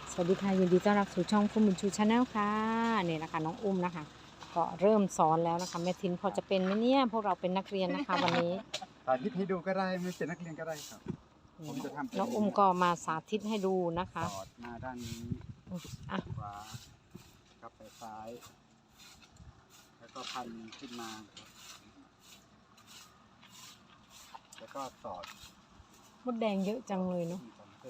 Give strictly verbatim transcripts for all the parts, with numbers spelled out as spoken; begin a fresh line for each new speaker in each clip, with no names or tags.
สวัสดีค่ะยินดีต้อนรับสู่ช่องฟูมินชูชาแนลค่ะนี่นะคะน้องอุ้มนะคะก็เริ่มสอนแล้วนะคะแม่ทินพอจะเป็นไหมเนี่ยพวกเราเป็นนักเรียนนะคะวันนี้
สาธิตให้ดูก็ได้ไม่เป็นนักเรียนก็ได้ครับผมจะทำ
น้องอุ้มก็มาสาธิตให้ดูนะคะ
สอดมาด้านนี้
อ่ะ
ขวากับไปซ้ายแล้วก็พันขึ้นมาแล้วก็สอด
มดแดงเยอะจังเลยเนาะ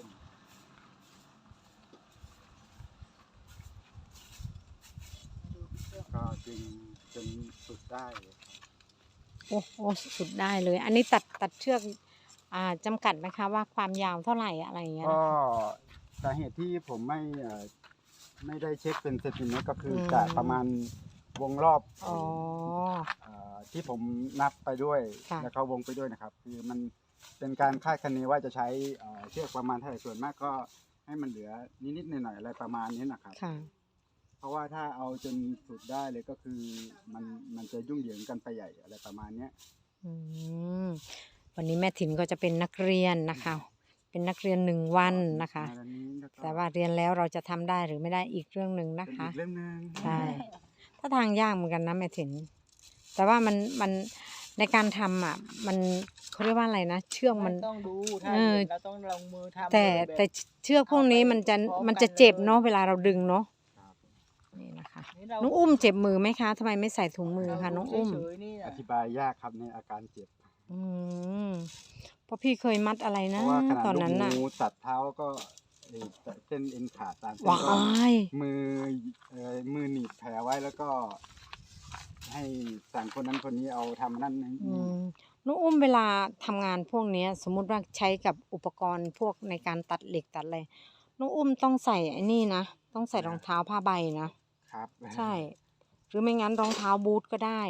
ก็ดึงจนสุดได้
โอ้โหสุดได้เลยอันนี้ตัดตัดเชือกอ่าจำกัดไหมคะว่าความยาวเท่าไหร่อะไรอย่างเงี้ย
ก็สาเหตุที่ผมไม่ไม่ได้เช็คเป็นเซนติเมตรก็คือจะประมาณวงรอบ
อ๋อ
ที่ผมนับไปด้วยแล้วก็วงไปด้วยนะครับคือมันเป็นการคาดคะเนว่าจะใช้เชือกประมาณเท่าไหร่ส่วนมากก็ให้มันเหลือนิดๆหน่อยๆอะไรประมาณนี้นะครับเพราะว่าถ้าเอาจนสุดได้เลยก็คือมันมันจะยุ่งเหยิงกันไปใหญ่อะไรประมาณนี้
วันนี้แม่ถิ่นก็จะเป็นนักเรียนนะคะเป็นนักเรียนหนึ่งวันนะคะแต่ว่าเรียนแล้วเราจะทำได้หรือไม่ได้อีกเรื่องหนึ่งนะคะ
เรื่องนึง
ใช่ถ้าทางยากเหมือนกันนะแม่ถิ่นแต่ว่ามันมันในการทำอ่ะมันเขาเรียกว่าอะไรนะเชือกมัน
ต้องดูถ้าเราต้องลงมือทำ
แต่แต่เชือกพวกนี้มันจะมันจะเจ็บเนาะเวลาเราดึงเนาะนี่นะคะน้องอุ้มเจ็บมือไหมคะทำไมไม่ใส่ถุงมือคะน้องอุ้ม
อธิบายยากครับในอาการเจ็บ
อืมเพราะพี่เคยมัดอะไรนะตอนนั้นน่ะ
งูตัดเท้าก็เส้นเอ็นขาดตามเส้น
ก็
มือมือหนีบแผลไว้แล้วก็ให้สั่งคนนั้นคนนี้เอาทำนั่นนี่
น้องอุ้มเวลาทำงานพวกนี้สมมุติว่าใช้กับอุปกรณ์พวกในการตัดเหล็กตัดอะไรน้องอุ้มต้องใส่ไอ้นี่นะต้องใส่รองเท้าผ้าใบนะครับใช่หรือไม่งั้นรองเท้าบูทก็ได้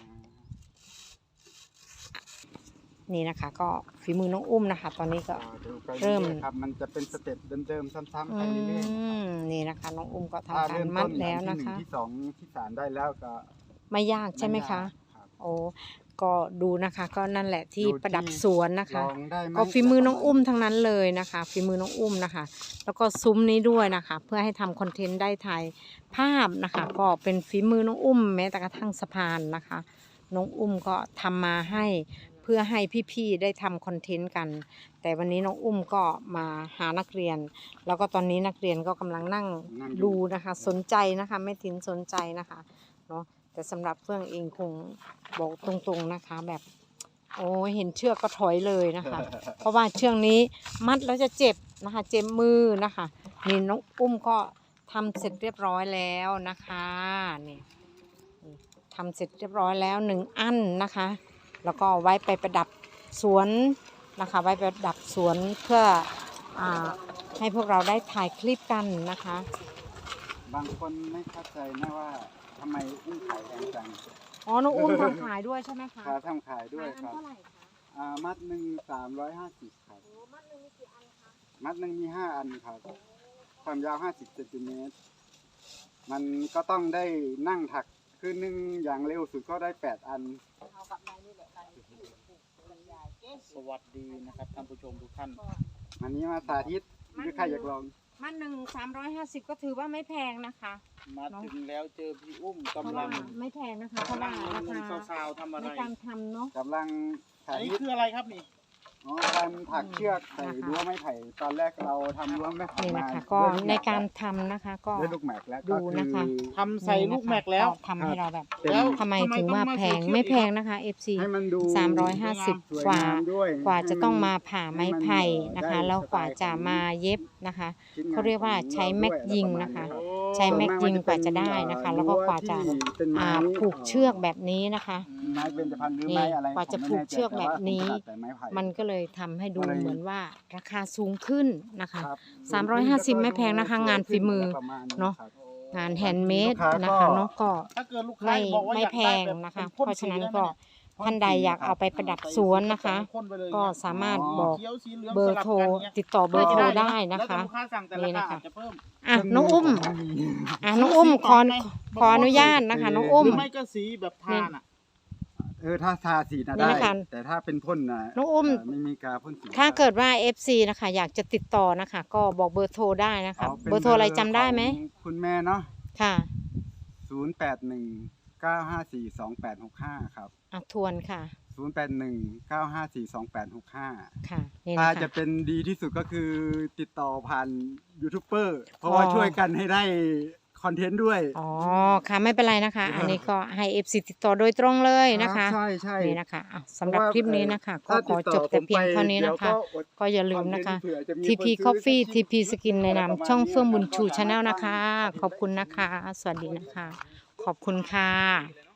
นี่นะคะก็ฝีมือน้องอุ้มนะคะตอนนี้ก็เริ่ม
ครับมันจะเป็นสเต็ปเดิมๆซ้ำๆไปเรื่อย
ๆนี่นะคะน้องอุ้มก็ทำการมัดแล้วนะคะ
ที่สองที่สามได้แล้วก็
ไม่ยากใช่ไหมคะโอ้ก็ดูนะคะก็นั่นแหละที่ประดับสวนนะคะก็ฝีมือน้องอุ้มทั้งนั้นเลยนะคะฝีมือน้องอุ้มนะคะแล้วก็ซุ้มนี้ด้วยนะคะเพื่อให้ทำคอนเทนต์ได้ถ่ายภาพนะคะก็เป็นฝีมือน้องอุ้มแม้แต่กระทั่งสะพานนะคะน้องอุ้มก็ทำมาให้เพื่อให้พี่ๆได้ทำคอนเทนต์กันแต่วันนี้น้องอุ้มก็มาหานักเรียนแล้วก็ตอนนี้นักเรียนก็กำลังนั่งดูนะคะสนใจนะคะแม่ทินสนใจนะคะเนาะแต่สำหรับเฟื่องเองคงบอกตรงๆนะคะแบบโอ้เห็นเชือกก็ถอยเลยนะคะเพราะว่าเชือกนี้มัดแล้วจะเจ็บนะคะเจ็บมือนะคะนี่น้องอุ้มก็ทำเสร็จเรียบร้อยแล้วนะคะนี่ทำเสร็จเรียบร้อยแล้วหนึ่งอันนะคะแล้วก็ไว้ไปประดับสวนนะคะไว้ประดับสวนเพื่ออ่าให้พวกเราได้ถ่ายคลิปกันนะคะ
บางคนไม่เข้าใจนะว่าทำไมอุ้มขายแพงจัง
อ๋อน้องอุ้มทำขายด้วยใช่ไหมคะ
ทำขายด้วยครับเท่าไหร่คะอ่ามัดหนึ่งสามร้อยห้าสิบครับ
มัดหนึ่งมีกี่อันคะ
มัดหนึ่งมีห้าอันครับความยาวห้าสิบเซนติเมตรมันก็ต้องได้นั่งถักคือหนึ่งอย่างเร็วสุดก็ได้แปดอัน
สวัสดีนะครับท่านผู้ชมทุกท่าน
วันนี้มาสาธิตคือใครอยากลอง
มัดหนึ่งสามร้อยห้าสิบก็ถือว่าไม่แพงนะคะ
มาถึงแล้วเจอพี่อุ้มกำลัง
ไม่แพงนะคะเพราะว่าราคา
สาวๆทำอะไร
ในการทำเนาะ
กำลัง
อันนี้คืออะไรครับนี่
อ๋อการถักเชือกใส่รั้วไม้ไผ่ตอนแรกเราทำรั้วไม้ไผ่
นี่นะคะก็ในการทำนะคะก็
ได้ลูกแม็กแล้ว
ดูนะคะ
ทำใส่ลูกแม็กแล้ว
ทำให้เราแบบแล้วทำไมถึงว่าแพงไม่แพงนะคะ เอฟ ซี สามร้อยห้าสิบกว่ากว่าจะต้องมาผ่าไม้ไผ่นะคะแล้วกว่าจะมาเย็บนะคะเขาเรียกว่าใช้แม็กยิงนะคะใช้แม็กยิงกว่าจะได้นะคะแล้วก็กว่าจะผูกเชือกแบบนี้นะคะนี่กว่าจะผูกเชือกแบบนี้มันก็เลยทำให้ดูเหมือนว่าราคาสูงขึ้นนะคะสามร้อยห้าสิบไม่แพงนะคะงานฝีมือเนาะงานแฮนด์เมดนะคะเนาะก็ไม่ไม่แพงนะคะเพราะฉะนั้นก็ท่านใดอยากเอาไปประดับสวนนะคะก็สามารถบอกเบอร์โทรติดต่อเบอร์โทรได้นะคะนี่นะคะอ่ะน้องอุ้มอ่ะน้องอุ้มขอขออนุญาตนะคะน้องอุ้ม
ไม่ก็สีแบบทานอ่ะ
เออถ้าทาสีนะ
นี่
ได้
นะคะ
แต่ถ้าเป็นพ่นนะ
น้องอุ้ม
เไม่มีกาพ่นสี
ถ้าเกิดว่า เอฟ ซี นะคะ อยากจะติดต่อนะคะ ก็บอกเบอร์โทรได้นะคะ
าป็น
เบอร์โทรอะไรจำได้ไหม
ของคุณแม่เนาะ
ค่ะ
ศูนย์ แปด หนึ่ง เก้า ห้า สี่ สอง แปด หก ห้าครับ
อ่ะทวนค่ะ
ศูนย์ แปด หนึ่ง เก้า ห้า สี่ สอง แปด หก ห้า
ค่ะนี่
ถ้า
นะ
จะ
คะ
เป็นดีที่สุดก็คือติดต่อผ่านยูทูบเบอร์เพราะว่า
อ๋อ
ช่วยกันให้ได้คอนเทนต์ด้วย
อ๋อค่ะไม่เป็นไรนะคะ อันนี้ก็ให้ เอฟ ซี ติดต่อโดยตรงเลยนะคะ
ใช่ใช่
นี่นะคะอ่ะสำหรับคลิปนี้นะคะ ก็
ถ้า
ขอ
ติดต่
จบแต่
ผม
เพียง
ไป
เท่านี้นะคะ
เดี๋ยวก็อด
ก็อย่าลืมนะคะ
คอนเทนต์เผื่อจะมี
ที พี
คนซื้อ
Coffee ที พี
สัก
Skin ในนามช่องเฟื่องบุญชู
ประมาณนี้
ชาแนลนะคะ ขอบคุณนะคะ สวัสดีนะคะ ขอบคุณค่ะ